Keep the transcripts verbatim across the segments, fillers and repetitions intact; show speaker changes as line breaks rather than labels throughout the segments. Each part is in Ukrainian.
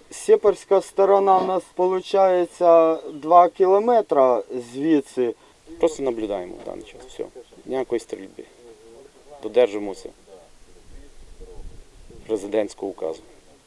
Сєпарська сторона в нас виходить два кілометри звідси.
Просто наблюдаємо в даний час. Все. Ніякої стрільби. Додержимося президентського указу.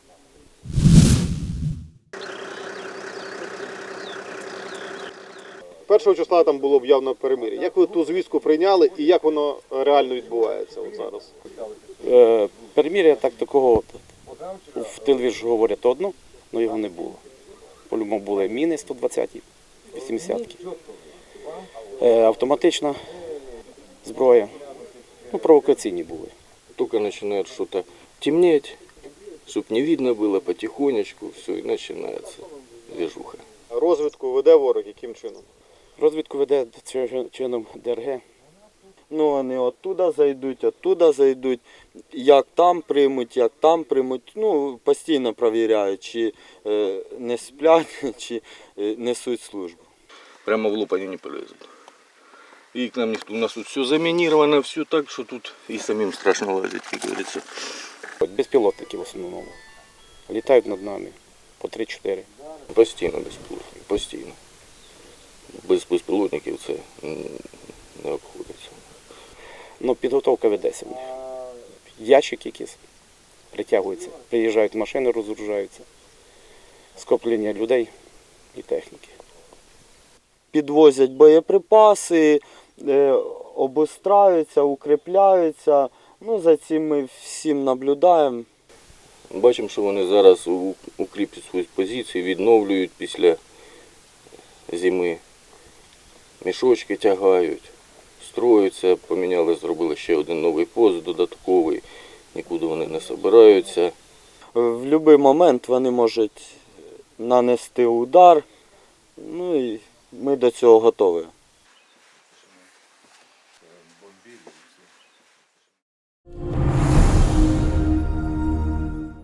Першого числа там було об'явлено перемир'я. Як ви ту звістку прийняли і як воно реально відбувається от зараз?
Е, перемір'я так такого, в тилові ж говорять одно, але його не було. По-любому були міни сто двадцяті, вісімдесятки, е, автоматична зброя, ну, провокаційні були.
Только начинает что-то темнеть, чтобы не видно было потихонечку, все, и начинается движуха.
Розвідку веде ворог яким чином?
Розвідку веде чином ДРГ.
Ну, вони оттуда зайдуть, оттуда зайдуть. Як там приймуть, як там приймуть. Ну, постійно перевіряють, чи е, не сплять, чи е, несуть службу.
Прямо в лоб они не полезут. И к нам никто, у нас тут все заминировано, все так, что тут и самим страшно лазить, как говорится.
Безпілотники в основному. Літають над нами по три-чотири.
Постійно безпілотники, постійно. Без безпілотників це м, не обходиться.
Ну, підготовка ведеться в них. Ящик якийсь притягується. Приїжджають машини, розгружаються. Скоплення людей і техніки.
Підвозять боєприпаси, е, обустраються, укріпляються. Ну, за цим ми всім наблюдаємо.
Бачимо, що вони зараз у- укріплюють свої позиції, відновлюють після зими. Мішочки тягають, строються, поміняли, зробили ще один новий пост додатковий, нікуди вони не збираються.
В будь-який момент вони можуть нанести удар. Ну і ми до цього готові.